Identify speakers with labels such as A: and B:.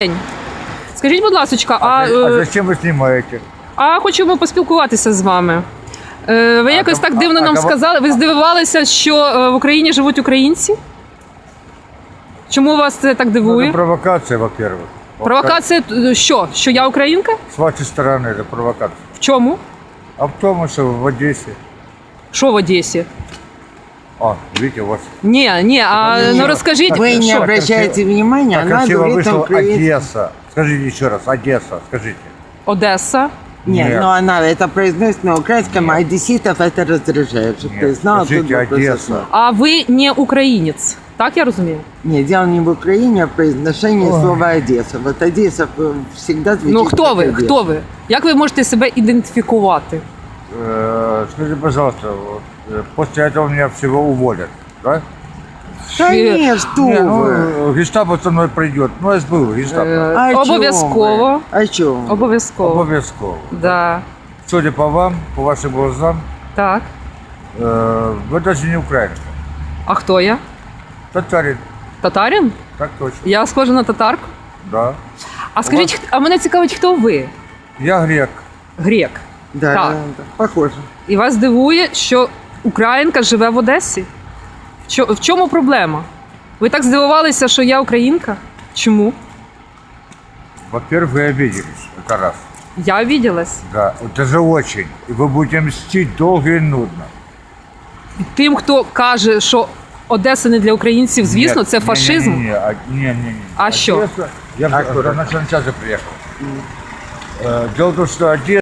A: Скажіть, будь ласка,
B: А зачем ви знімаєте?
A: а хочемо поспілкуватися з вами. Ви якось так дивно нам сказали. Ви здивувалися, що в Україні живуть українці? Чому вас це так
B: Ну,
A: дивує?
B: это провокация, во-первых.
A: Провокація що? Що я українка?
B: С вашей стороны это провокация.
A: В чому?
B: А в том, что в Одессе...
A: Що в Одесі?
B: Видите, у вас...
A: Ні, ну розкажіть.
C: Вы не
A: що?
C: обращаете внимания,
B: Так
C: она
B: красиво
C: говорит
B: вышла
C: украинский.
B: Одесса. Скажите еще раз, Одесса, скажите.
A: Одеса.
C: Нет,
B: Нет.
C: но она это произносит на украинском, а одесситов это раздражает, чтобы ты
B: Нет,
C: знал.
B: скажите
C: тут вопрос
B: Одесса.
C: основной.
A: А ви не українець, так я розумію?
C: Нет, дело не в Украине, а в произношении слова Одесса. Вот Одесса всегда звучит
A: Ну хто
C: как
A: ви?
C: Одесса.
A: Хто ви? Як ви можете себе ідентифікувати?
B: Скажите, пожалуйста, вот, после этого меня всего уволят, да?
C: Да нет, что
B: Не,
C: вы.
B: гестапо со мной придет. Ну, я ж был гестапо.
C: А о чём
A: Обов'язково.
C: вы? О чем?
A: Обов'язково.
B: Обов'язково.
A: Да.
B: Судя по вам, по вашим глазам,
A: Так.
B: вы даже не украинка.
A: А хто я?
B: Татарин.
A: Татарин?
B: Так точно.
A: Я схожа на татарку.
B: Да.
A: А скажіть, а мене цікавить, хто ви?
B: Я грек.
A: Грек.
C: Да,
A: Так.
C: да, похоже.
A: І вас дивує, що українка живе в Одесі? В чому проблема? Ви так здивувалися, що я українка? Чому?
B: Во-первых, вы обиделись. Это раз.
A: Я обиделась.
B: Да. Это же очень. И вы будете мстить долго и нудно.
A: Тим, хто каже, що Одеса не для українців, звісно,
B: Нет,
A: це фашизм.
B: Не.
A: А що?
B: Я на час приехал. Дело в том, что Одесса